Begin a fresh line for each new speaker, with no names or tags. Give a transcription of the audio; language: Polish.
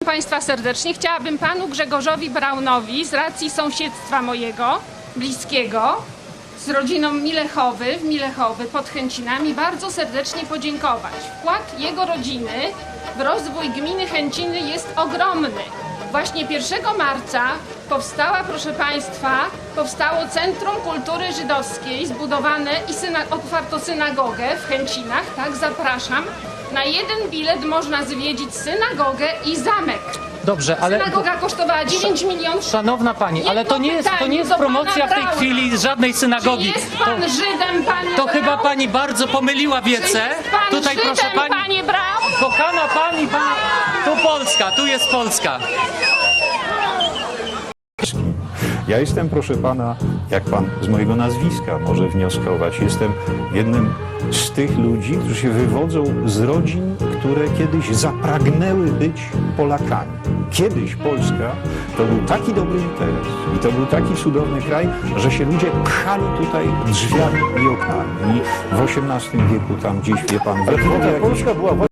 Państwa serdecznie. Chciałabym panu Grzegorzowi Braunowi z racji sąsiedztwa mojego, bliskiego, z rodziną Milechowy pod Chęcinami bardzo serdecznie podziękować. Wkład jego rodziny w rozwój gminy Chęciny jest ogromny. Właśnie 1 marca powstało Centrum Kultury Żydowskiej zbudowane i otwarto synagogę w Chęcinach. Tak, zapraszam. Na jeden bilet można zwiedzić synagogę i zamek.
Dobrze, ale...
Synagoga kosztowała 9 milionów.
Szanowna pani, ale to nie jest promocja w tej chwili żadnej synagogi.
Czy jest pan Żydem, panie
To
Braun?
chyba pani bardzo pomyliła wiece.
Czy jest pan
Tutaj
Żydem,
proszę pani,
panie Braun?
kochana pani, tu Polska, tu jest Polska.
Ja jestem, proszę pana, jak pan z mojego nazwiska może wnioskować, jestem jednym z tych ludzi, którzy się wywodzą z rodzin, które kiedyś zapragnęły być Polakami. Kiedyś Polska to był taki dobry interes i to był taki cudowny kraj, że się ludzie pchali tutaj drzwiami i oknami. I w XVIII wieku tam gdzieś, wie pan, we Polska była